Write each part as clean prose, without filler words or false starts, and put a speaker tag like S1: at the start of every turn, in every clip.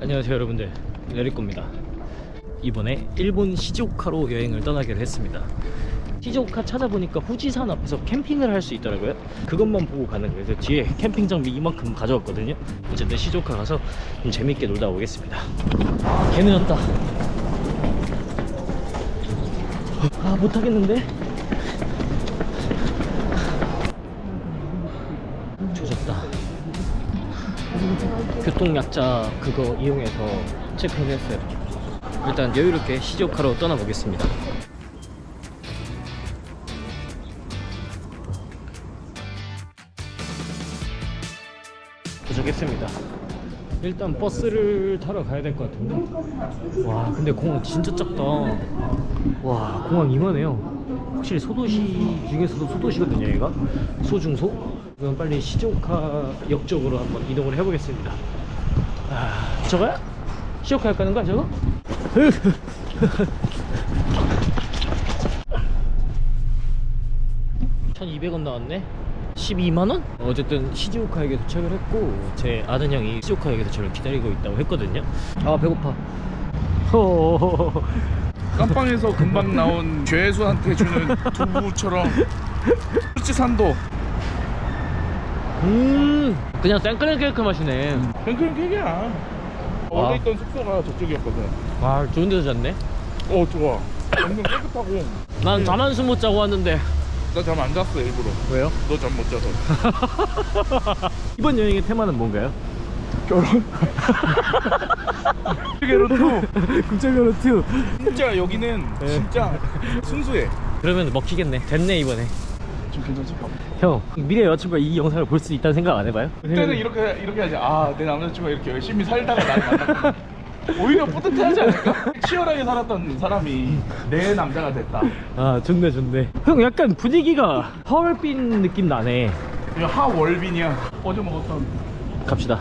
S1: 안녕하세요 여러분들, 레리꼬입니다. 이번에 일본 시즈오카로 여행을 떠나기로 했습니다. 시즈오카 찾아보니까 후지산 앞에서 캠핑을 할 수 있더라고요. 그것만 보고 가는 거예요. 그래서 뒤에 캠핑 장비 이만큼 가져왔거든요. 어쨌든 시즈오카 가서 좀 재밌게 놀다 오겠습니다. 개 늦었다. 아, 못하겠는데? 조졌다. 교통약자 그거 이용해서 체크를 했어요. 일단 여유롭게 시즈오카로 떠나보겠습니다. 도착했습니다. 일단 버스를 타러 가야 될 것 같은데, 와 근데 공항 진짜 작다. 와 공항 이만해요. 확실히 소도시 중에서도 소도시거든요 얘가. 소중소. 그럼 빨리 시즈오카 역 쪽으로 한번 이동을 해보겠습니다. 아, 저거야? 시즈오카 역 가는 거야 저거? 1200원 나왔네? 12만원? 어쨌든 시즈오카역에 도착을 했고, 제 아는 형이 시즈오카역에서 저를 기다리고 있다고 했거든요. 아 배고파.
S2: 깜빵에서 금방 나온 죄수한테 주는 두부처럼 후지산도
S1: 그냥 땡크랭 케이크 맛이네.
S2: 그냥 케이크야. 원래 있던 숙소가 저쪽이었거든.
S1: 아 좋은 데서 잤네.
S2: 좋아. 엄청 깨끗하고.
S1: 난 잠 한숨 못 자고 왔는데.
S2: 나 잠 안 잤어 일부러.
S1: 왜요?
S2: 너 잠 못 자서.
S1: 이번 여행의 테마는 뭔가요?
S2: 결혼. 결혼 2.
S1: 국제 결혼 2.
S2: 진짜 여기는
S1: 네.
S2: 진짜 순수해.
S1: 그러면 먹히겠네. 됐네 이번에.
S2: 좀 괜찮지?
S1: 형, 미래 여자친구가 이 영상을 볼 수 있다는 생각 안 해봐요?
S2: 그때는 이렇게 하지. 아, 내 남자친구가 이렇게 열심히 살다가 나를 만났구나. 오히려 뿌듯해하지 않을까? 치열하게 살았던 사람이 내 남자가 됐다.
S1: 아 좋네 좋네. 형 약간 분위기가 하얼빈 느낌 나네.
S2: 이거 하월빈이야. 어제 먹었던.
S1: 갑시다.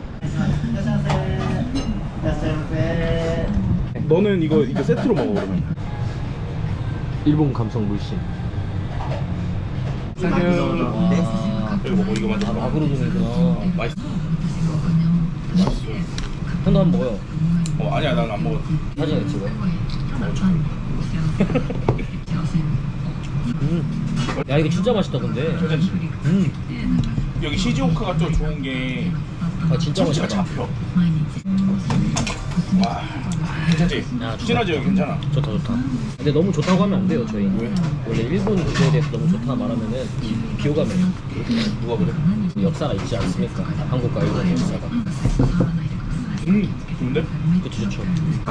S2: 너는 이거 세트로 먹어 그러면.
S1: 일본 감성 물씬.
S2: 안녕. 이거 먹어. 이거 먼저 먹어.
S1: 마구로동이구나.
S2: 맛있어.
S1: 형도 한번 먹어요.
S2: 아니야, 난 안 먹어.
S1: 사진에 찍어요. 야 이거 진짜 맛있다 근데.
S2: 괜찮지? 여기 시즈오카가 좀 좋은 게
S1: 아 진짜
S2: 참치가
S1: 맛있다.
S2: 잡혀. 와, 괜찮지?
S1: 야, 좋다.
S2: 진하지? 여기 괜찮아.
S1: 좋다 좋다. 근데 너무 좋다고 하면 안 돼요 저희.
S2: 왜?
S1: 원래 일본 문제에 대해서 너무 좋다 말하면은 비호감이에요.
S2: 누가 그래?
S1: 역사가 있지 않습니까? 한국과 일본의 역사가.
S2: 좋은데?
S1: 그쵸 좋죠.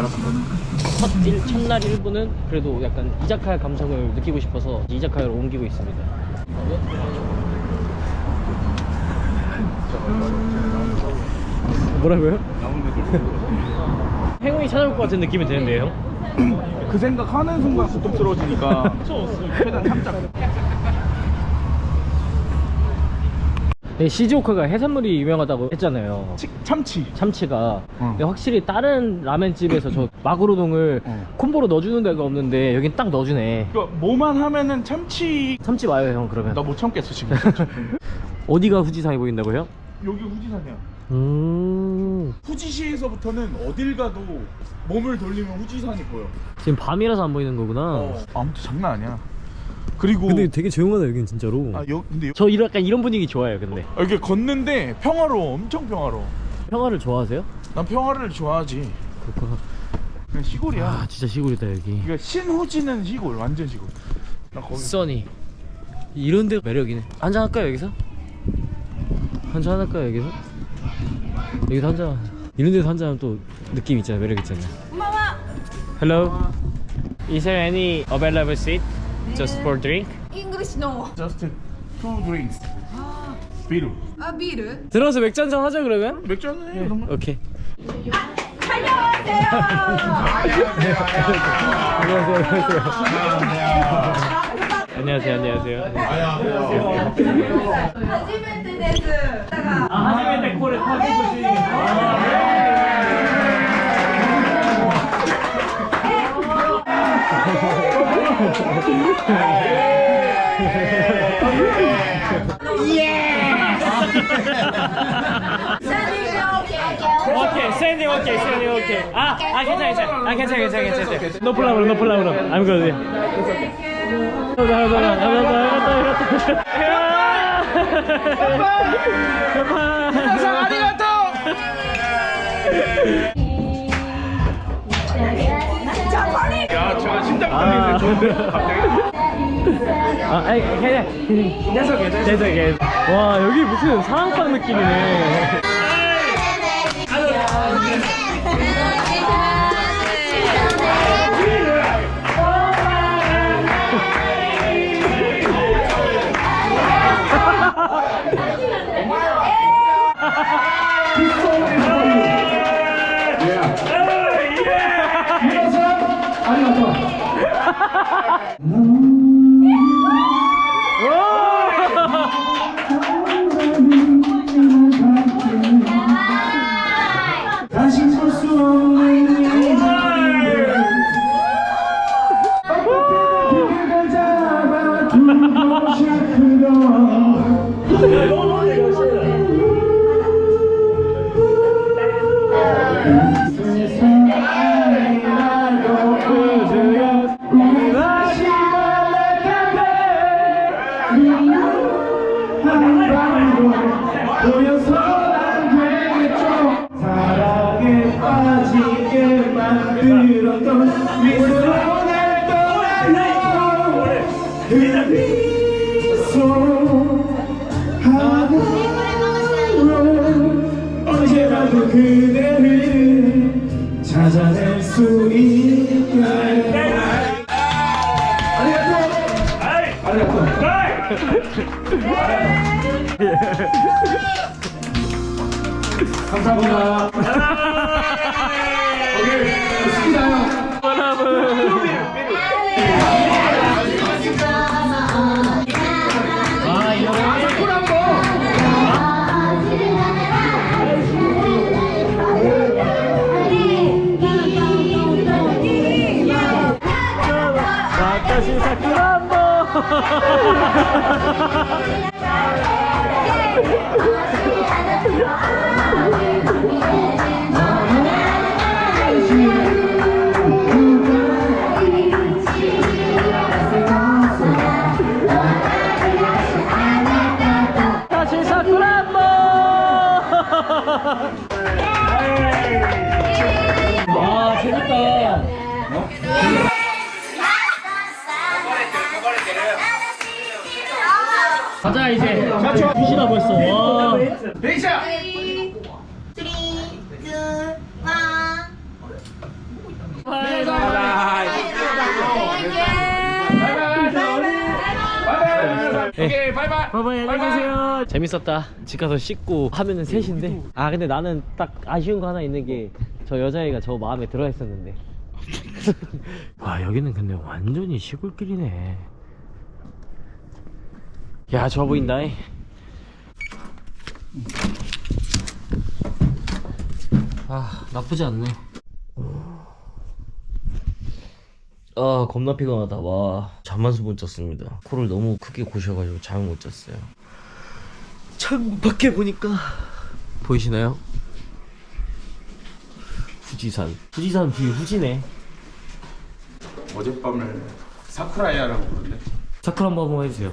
S1: 첫날 일본은 그래도 약간 이자카야 감성을 느끼고 싶어서 이자카야로 옮기고 있습니다. 뭐라고요? 행운이 찾아올 것 같은 느낌이 드는데요 형?
S2: 그 생각하는 순간 고통스러워지니까 최대한 참자.
S1: 네, 시즈오카가 해산물이 유명하다고 했잖아요.
S2: 참치.
S1: 참치가. 근데 확실히 다른 라멘집에서 저 마구로동을 콤보로 넣어주는 데가 없는데 여긴 딱 넣어주네.
S2: 그러니까 뭐만 하면은 참치.
S1: 참치 와요 형 그러면.
S2: 나 못 참겠어 지금.
S1: 어디가 후지산이 보인다고요?
S2: 여기 후지산이야.
S1: 후지시에서부터는
S2: 어딜 가도 몸을 돌리면 후지산이 보여.
S1: 지금 밤이라서 안 보이는 거구나.
S2: 아무튼 장난 아니야. 그리고
S1: 근데 되게 조용하다 여긴 진짜로.
S2: 근데
S1: 저 약간 이런 분위기 좋아해요 근데.
S2: 이렇게 걷는데 평화로워. 엄청 평화로워.
S1: 평화를 좋아하세요?
S2: 난 평화를 좋아하지.
S1: 그렇구나.
S2: 그냥 시골이야.
S1: 아 진짜 시골이다 여기.
S2: 그러니까 신후지는 시골, 완전 시골. 나 거기.
S1: 써니 이런 데 매력이네. 한잔 할까요 여기서? 한잔 할까요 여기서? 여기서 한잔. 이런 데서 한잔 하면 또 느낌 있잖아. 매력 있잖아. Hello. Is there any available seat just for drink?
S3: English no.
S2: Just two drinks. 비루.
S3: 아 비르.
S1: 들어가서 맥주 한잔 하자 그러면?
S2: 맥주 한잔 해 그러면.
S1: 오케이. 안녕하세요. 안녕하세요.
S3: 하지메테 데스.
S1: 하지메테 코레 타고
S3: Yes.
S1: Okay, 스탠딩 오케이 스탠딩 오케이. 아 괜찮아. 노 플라브로 I'm good.
S2: 아리가토. 야, 제가 심장 떨리는데 좋은데 갑자기.
S1: 계속. 와 여기 무슨 사랑방 느낌이네.
S4: 다시 볼 수 없는 그가 잡아두고 보여서 안 되겠죠. 사랑에 빠지게 만들었던 미소를 떠나요. 그 미소 하나로 언제라도 그대를 찾아낼 수 있게. 감사합니다. 오케이, 좋습니다.
S1: 다시 사쿠란보. 다시 사쿠란보. 와 재밌다. 가자 이제. 굿이다 벌써. 와.
S2: 베이샤.
S3: 3, 2, 1.
S2: 오케이, 바이바이.
S1: 바이바이 안녕히 계세요. 재밌었다. 집 가서 씻고 하면은 셋인데. 아 근데 나는 딱 아쉬운 거 하나 있는 게 저 여자애가 저 마음에 들어 했었는데. 와 여기는 근데 완전히 시골길이네. 야 좋아 보인다. 아 나쁘지 않네. 아 겁나 피곤하다. 와 잠만 수분 쪘습니다. 코를 너무 크게 고셔가지고 잠을 못 잤어요. 창 밖에 보니까 보이시나요? 후지산 뒤에 후지네.
S2: 어젯밤을 사쿠라야라고 부르는데.
S1: 사쿠라 한번 해주세요.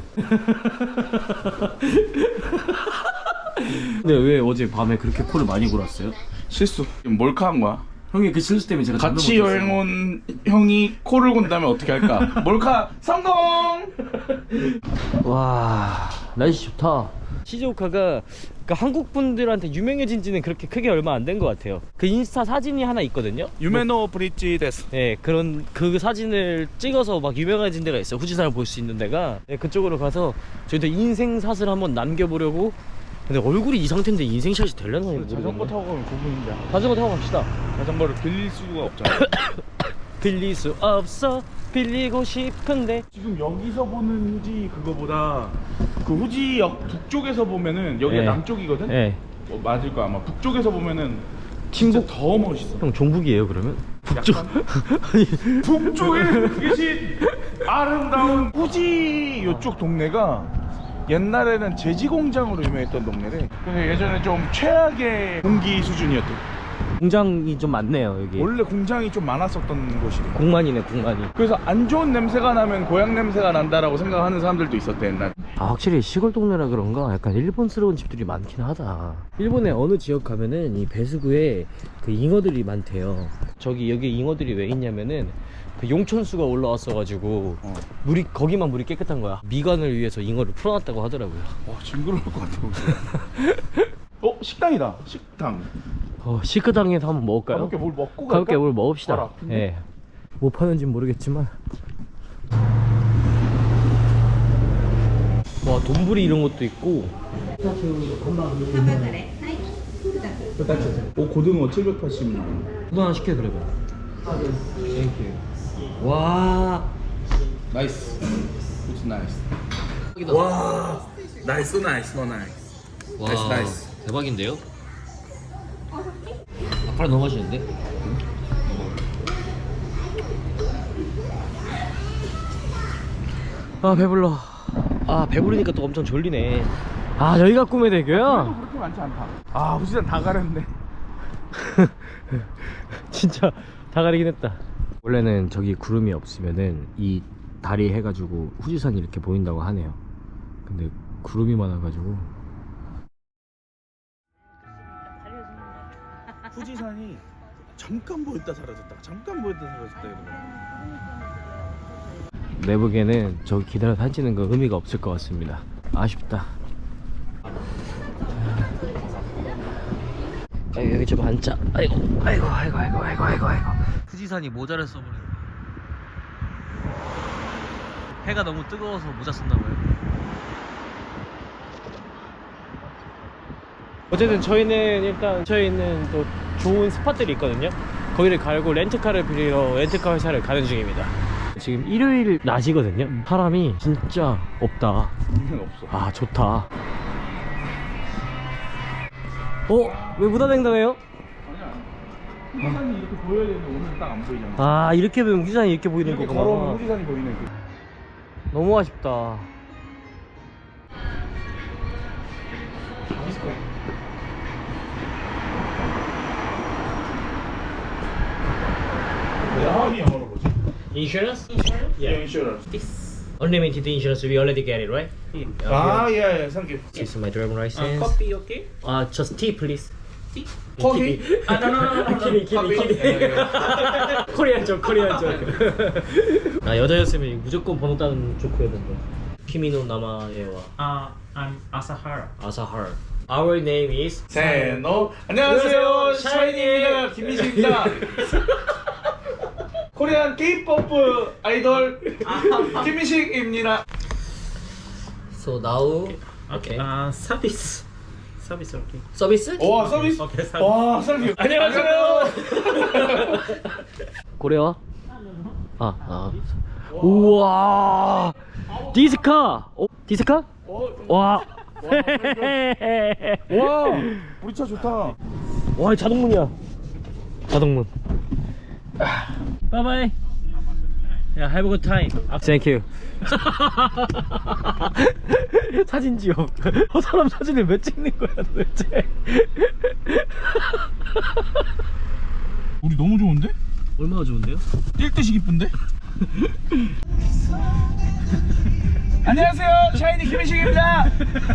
S1: 근데 왜 어제 밤에 그렇게 코를 많이 골았어요?
S2: 실수. 몰카한 거야.
S1: 형이 그 실수 때문에 제가
S2: 같이
S1: 잠을 못
S2: 여행 온 형이 코를 곤다면 어떻게 할까? 몰카 성공!
S1: 잤어요. 와 날씨 좋다. 시즈오카가 그러니까 한국 분들한테 유명해진 지는 그렇게 크게 얼마 안 된 것 같아요. 그 인스타 사진이 하나 있거든요.
S2: 유메노 브릿지 데스.
S1: 네 그런 그 사진을 찍어서 막 유명해진 데가 있어요. 후지산을 볼 수 있는 데가. 네, 그쪽으로 가서 저희도 인생샷을 한번 남겨보려고. 근데 얼굴이 이 상태인데 인생샷이 되려나 모르겠네.
S2: 자전거 타고 가면 9분인데.
S1: 자전거 타고 갑시다.
S2: 자전거를 빌릴 수가 없잖아.
S1: 빌릴 수 없어. 빌리고 싶은데.
S2: 지금 여기서 보는 후지 그거보다 그 후지역 북쪽에서 보면은 여기가
S1: 네.
S2: 남쪽이거든?
S1: 네.
S2: 맞을 거야 아마. 북쪽에서 보면은
S1: 친구
S2: 진짜 더 멋있어.
S1: 형 종북이에요 그러면? 북쪽 아니
S2: 북쪽에 계신 아름다운 후지 요쪽 동네가 옛날에는 제지 공장으로 유명했던 동네래. 근데 예전에 좀 최악의 공기 수준이었대.
S1: 공장이 좀 많네요 여기.
S2: 원래 공장이 좀 많았었던 곳이래.
S1: 공만이네 공만이.
S2: 그래서 안 좋은 냄새가 나면 고향 냄새가 난다라고 생각하는 사람들도 있었대 옛날.
S1: 아 확실히 시골 동네라 그런가 약간 일본스러운 집들이 많긴 하다. 일본의 어느 지역 가면은 이 배수구에 그 잉어들이 많대요. 저기 여기 잉어들이 왜 있냐면은 그 용천수가 올라왔어가지고 물이 거기만 물이 깨끗한 거야. 미관을 위해서 잉어를 풀어놨다고 하더라고요.
S2: 와 징그러울 것 같아. 식당이다. 식당.
S1: 시크당에서 한번 먹을까요?
S2: 가볍게 뭘 먹고 갈까?
S1: 가볍게 뭘 먹읍시다.
S2: 발 아픈데?
S1: 예. 뭐 파는지 모르겠지만. 와 돈부리 이런 것도 있고.
S2: 고등어 780원.
S1: 그거 하나 시켜 그러면. 땡큐. 와.
S2: 나이스. It's nice. 와. 나이스 나이스 너 나이스.
S1: 와,
S2: 나이스, 나이스.
S1: 대박인데요? 아빠랑 너무 맛있는데? 아 배불러. 아 배부르니까 또 엄청 졸리네. 아 여기가 꿈의 대교야?
S2: 그렇게 많지 않다. 아 후지산 다 가렸네.
S1: 진짜 다 가리긴 했다. 원래는 저기 구름이 없으면은 이 다리 해가지고 후지산이 이렇게 보인다고 하네요. 근데 구름이 많아가지고.
S2: 후지산이 잠깐 보였다 사라졌다. 잠깐 보였다 사라졌다 이러고.
S1: 내복에는 저기 기다려 사진 찍는 거 의미가 없을 것 같습니다. 아쉽다. 여기 좀 앉자. 아이고. 후지산이 모자를 써버리네. 해가 너무 뜨거워서 모자 썼나봐요. 어쨌든 저희는 또 좋은 스팟들이 있거든요. 거기를 갈고 렌트카를 빌리러 렌트카 회사를 가는 중입니다. 지금 일요일 낮이거든요. 사람이 진짜 없다.
S2: 없어.
S1: 아 좋다. 왜 무단횡단해요?
S2: 후지산이 이렇게 보여야 되는데 오늘 딱 안 보이잖아.
S1: 아 이렇게 보면 후지산이 이렇게 보이는
S2: 이렇게
S1: 거구나.
S2: 걸어오면 후지산이 보이네.
S1: 너무 아쉽다.
S2: 한이 영어로 뭐지?
S1: Insurance?
S2: Yeah, insurance.
S1: Unlimited insurance. We already get it, right?
S2: 아, 예, thank you.
S1: This is my driving license.
S2: 커피 okay?
S1: Just tea, please.
S2: 커피? 아, no.
S1: 키리. 코리안 쪽. 아 여자였으면 무조건 번호 따는 조커였는데. 키미노 나마에와.
S5: I'm Asahara.
S1: 아사하르. Our name is
S2: 세노. 안녕하세요, 샤이니입니다. 김민식입니다. 코리안 K-POP 아이돌 김민식입니다.
S1: So now.
S5: Okay. Service. Service okay.
S1: 서비스?
S2: 와, 서비스.
S5: Okay, service.
S2: 와, 땡큐. 안녕하세요.
S1: 고래와? 우와. 디스카. 디스카? 와.
S2: 와, 우리 차 좋다.
S1: 와 자동문이야. 자동문. 바이바이. 야, have a good time. Thank you. 사진 지옥. 사람 사진을 왜 찍는 거야 도대체?
S2: 우리 너무 좋은데?
S1: 얼마나 좋은데요?
S2: 뛸 듯이 기쁜데? 안녕하세요, 샤이니 김민식입니다.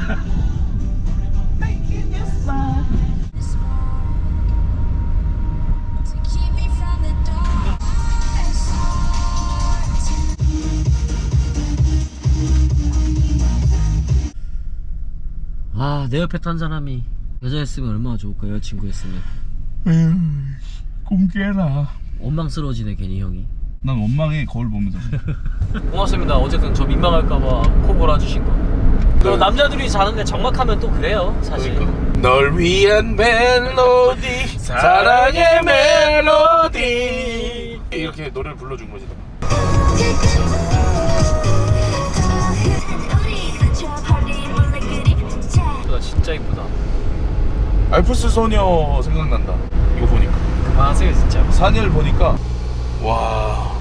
S1: 아, 내 옆에 탄 사람이 여자였으면 얼마나 좋을까. 여자친구였으면.
S2: 꿈깨라.
S1: 원망스러워지네 괜히 형이.
S2: 난 원망해, 거울 보면서.
S1: 고맙습니다. 어쨌든 저 민망할까봐 코 골아주신 거. 또 남자들이 자는데 정막하면 또 그래요 사실.
S2: 널 위한 멜로디, 사랑의 멜로디. 이렇게 노래를 불러준 거지.
S1: 나 진짜 이쁘다.
S2: 알프스 소녀 생각난다. 이거 보니까.
S1: 그만하세요 진짜.
S2: 산을 보니까 와.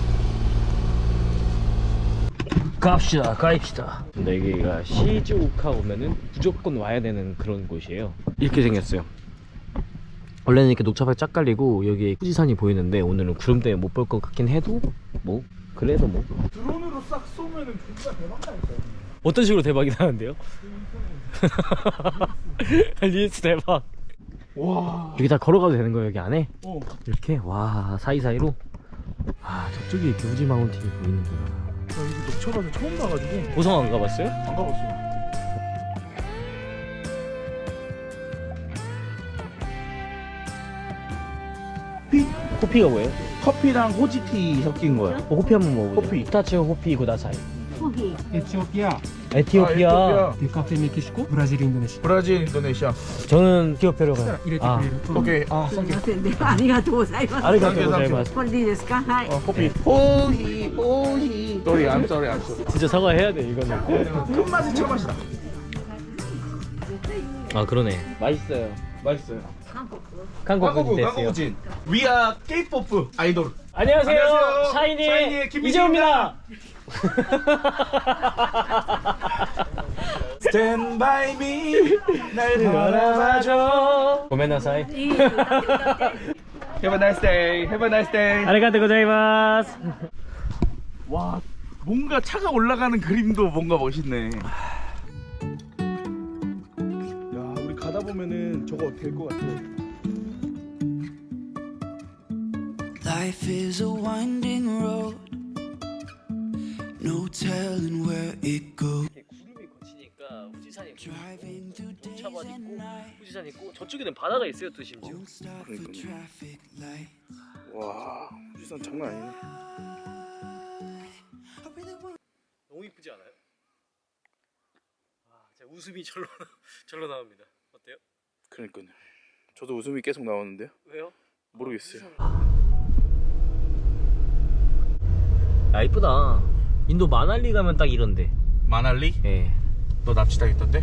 S1: 가입시다. 근데 여기가 시즈오카 오면은 무조건 와야 되는 그런 곳이에요. 이렇게 생겼어요. 원래는 이렇게 녹차밭 쫙 깔리고 여기 후지산이 보이는데 오늘은 구름 때문에 못 볼 것 같긴 해도 뭐 그래도 뭐
S2: 드론으로 싹 쏘면은 존나 대박 나니까.
S1: 어떤 식으로 대박이 나는데요? 리스 대박.
S2: 와.
S1: 여기 다 걸어가도 되는 거예요 여기 안에?
S2: 어.
S1: 이렇게 와 사이사이로. 아 저쪽에 이렇게 후지 마운틴이 보이는구나.
S2: 나 여기 녹차밭에 처음 나가지고
S1: 보성 안 가봤어요?
S2: 안 가봤어.
S1: 호피가 뭐예요?
S2: 커피랑 호지티 섞인 거야.
S1: 호피 한번 먹어보죠.
S2: 호피.
S1: 피타치오 호피 구다사이.
S4: 에티오피아,
S1: 에티오피아.
S4: 데카페 멕시코, 브라질, 인도네시아.
S2: 브라질, 인도네시아.
S1: 저는 에티오피아로 가요.
S4: 入れて
S1: 아
S4: くれると
S2: 오케이.
S3: すみませんね。ありがとうございます。
S1: 아리가토 고자이마스.
S3: これでいいですか。はい。
S2: 커피. 호히, 호히. Sorry, I'm sorry, I'm sorry.
S1: 진짜 사과해야 돼 이거는.
S2: 끝맛이 차 맛이다.
S1: 아 그러네. 맛있어요.
S2: 맛있어요.
S1: 한국
S2: 한국
S1: 됐어요.
S2: 한국진. We are K-pop 아이돌.
S1: 안녕하세요.
S2: 안녕하세요.
S1: 샤이니의
S2: 샤이니의
S1: 이재호입니다.
S2: Stand by me. 날 바라봐줘.
S1: 고멘나사이.
S2: Have a nice day. Have a nice day.
S1: 아리가토 고자이마스.
S2: 와, 뭔가 차가 올라가는 그림도 뭔가 멋있네. 야, 우리 가다 보면은 저거 될 것 같아.
S6: Life is a winding road, no telling where it goes.
S1: 구름이 거치니까 후지산이
S6: Driving through days
S1: 차밭
S6: and
S1: 있고
S6: nights,
S1: 후지산 있고 저쪽에는 바다가 있어요 또 심지어.
S6: won't stop for traffic light.
S2: 와, 부산 장난 아니네.
S6: I really want
S1: 너무 이쁘지 않아요? 아, 제 웃음이 절로 나옵니다. 어때요?
S2: 그러니까요. 저도 웃음이 계속 나오는데요.
S1: 왜요?
S2: 모르겠어요.
S1: 야 이쁘다. 인도 마날리 가면 딱 이런데.
S2: 마날리?
S1: 예.
S2: 너 납치당했던데?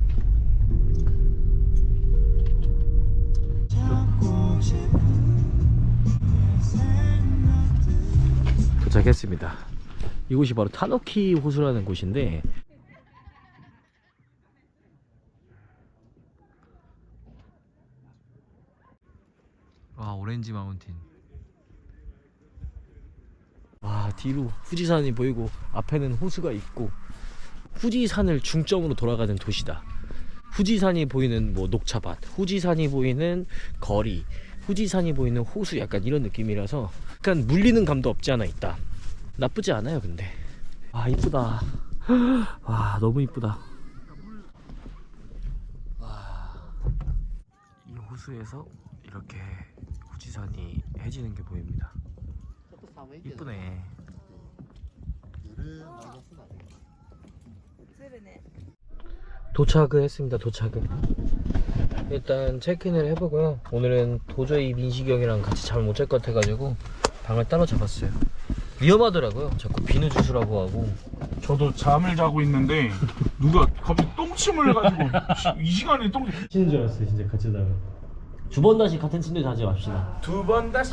S1: 도착했습니다. 이곳이 바로 타노키 호수라는 곳인데 와 오렌지 마운틴. 와 뒤로 후지산이 보이고 앞에는 호수가 있고 후지산을 중점으로 돌아가는 도시다. 후지산이 보이는 뭐 녹차밭, 후지산이 보이는 거리, 후지산이 보이는 호수 약간 이런 느낌이라서 약간 물리는 감도 없지 않아 있다. 나쁘지 않아요 근데. 와 이쁘다. 와 너무 이쁘다. 이 호수에서 이렇게 후지산이 해지는 게 보입니다. 이쁘네. 도착을 했습니다. 도착을. 일단 체크인을 해보고요. 오늘은 도저히 민식이 형이랑 같이 잠을 못 잘 것 같아가지고 방을 따로 잡았어요. 위험하더라고요. 자꾸 비누 주스라고 하고.
S2: 저도 잠을 자고 있는데 누가 갑자기 똥침을 해가지고 이 시간에 똥.
S1: 치는 줄 알았어요. 진짜 같이 자면. 두 번 다시 같은 침대 자지 맙시다.
S2: 두 번 다시.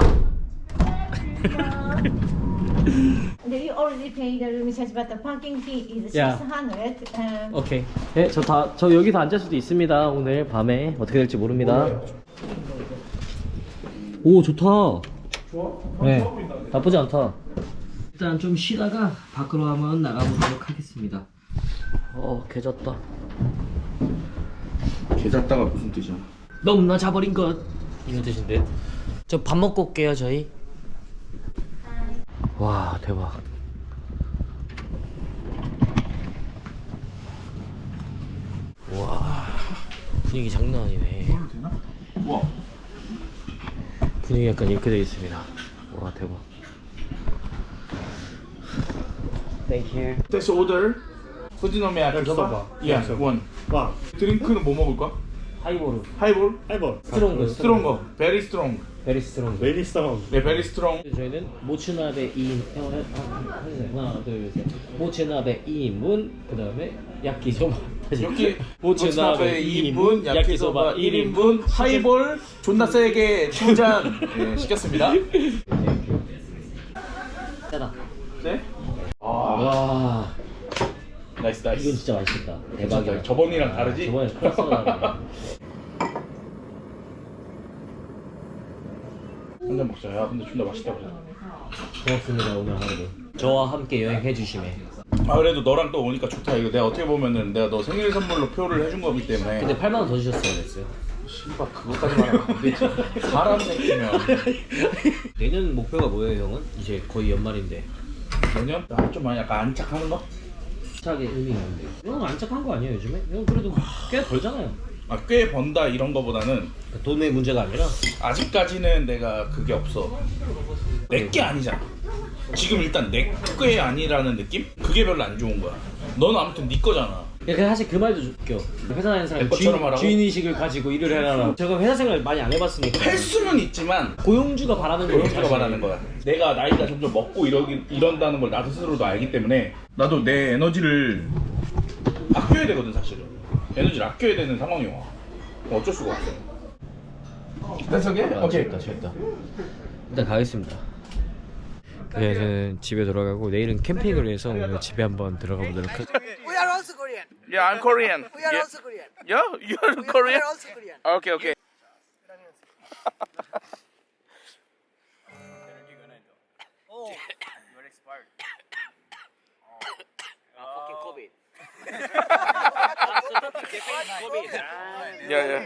S3: You already paid the room charge, but the parking fee is
S1: Yeah.
S3: 600.
S1: 오케이. 네, 저 여기서 앉을 수도 있습니다. 오늘 밤에 어떻게 될지 모릅니다. 오, 좋다.
S2: 좋아?
S1: 네.
S2: 좋아 보인다.
S1: 나쁘지 않다. 일단 좀 쉬다가 밖으로 한번 나가보도록 하겠습니다. 개졌다.
S2: 개 잤다가 무슨 뜻이야?
S1: 너무나 자버린 것 이런 뜻인데. 저 밥 먹고 올게요 저희. 와 대박. 와 분위기 장난 아니네.
S2: 이걸로 되나? 와.
S1: 분위기 약간 이렇게 되어 있습니다. 와 대박. Thank you.
S2: This order. 후지노미 야키소바. Yeah, one.
S4: 와,
S2: 드링크는 뭐 먹을까?
S1: 하이보르.
S2: 하이볼?
S4: 하이볼.
S1: 스트롱.
S2: 스트롱 거. 베리 스트롱.
S1: 베리 스트롱.
S4: 웨리 스타운.
S2: 네, 베리 스트롱.
S1: 저희는 모츠나베 2인 하나 둘셋 모츠나베 2인분 그 다음에 야끼소바
S2: 여기
S1: 모츠나베 2인분 야끼소바 1인분
S2: 하이볼 존나 세게 2잔 네, 시켰습니다.
S1: 짜다.
S2: 네?
S1: 와
S2: 나이스
S1: 이건
S2: 나이스.
S1: 진짜 맛있겠다. 대박이야.
S2: 진짜. 아, 네. 저번이랑 다르지?
S1: 저번에 클래스가 다르네. 일단 좀 쉬다가 밖으로 한번 나가보도록 하겠습니다. 와 개졌다. 이건 진짜 맛있겠다. 대박이야. 저번에 클래스가 다르지?
S2: 저번이랑 다르지?
S1: 저번에 클래스가 다르네.
S2: 한잔 먹자. 야 근데 존나 맛있다 그래.
S1: 고맙습니다 오늘 하루. 저와 함께 여행해 주심에.
S2: 아 그래도 너랑 또 오니까 좋다. 이거 내가 어떻게 보면은 내가 너 생일 선물로 표를 해준 거기 때문에.
S1: 근데 8만 원 더 주셨어야 됐어요.
S2: 씨발 그것까지만 하면 안 되지. 사람 생기면
S1: 내년 목표가 뭐예요 형은? 이제 거의 연말인데.
S2: 내년? 좀 많이 약간 안착하는 거?
S1: 차게 의미 있는데. 형은 안착한 거 아니에요 요즘에? 형 그래도 꽤 벌잖아요.
S2: 아 꽤 번다 이런 거보다는
S1: 그러니까 돈의 문제가 아니라.
S2: 아직까지는 내가 그게 없어. 내게 아니잖아. 지금 일단 내게 아니라는 느낌? 그게 별로 안 좋은 거야. 넌 아무튼 네 거잖아.
S1: 그러니까 사실 그 말도 웃겨. 회사 다니는 사람이
S2: 내 것처럼 하라고?
S1: 주인의식을 가지고 일을 해라. 제가 회사 생활 많이 안 해봤으니까.
S2: 할 수는 있지만
S1: 고용주가 바라는 거.
S2: 고용주가 말하는 거야. 내가 나이가 점점 먹고 이런다는 걸 나도 스스로도 알기 때문에 나도 내 에너지를 아껴야 되거든 사실은. 에너지를 아껴야 되는 상황이 와. 어쩔 수가 없어. That's okay? 오케이.
S1: 됐다. 일단 가겠습니다. 네, 저는 집에 돌아가고 내일은 캠핑을 해서 오늘 집에 한번 들어가 보도록 하겠습니다.
S7: We are also Korean.
S2: Yeah, I'm Korean.
S7: We are also Korean.
S2: Yeah, you're
S7: We
S2: Korean.
S7: are also Korean.
S2: Okay, okay. Yeah, yeah.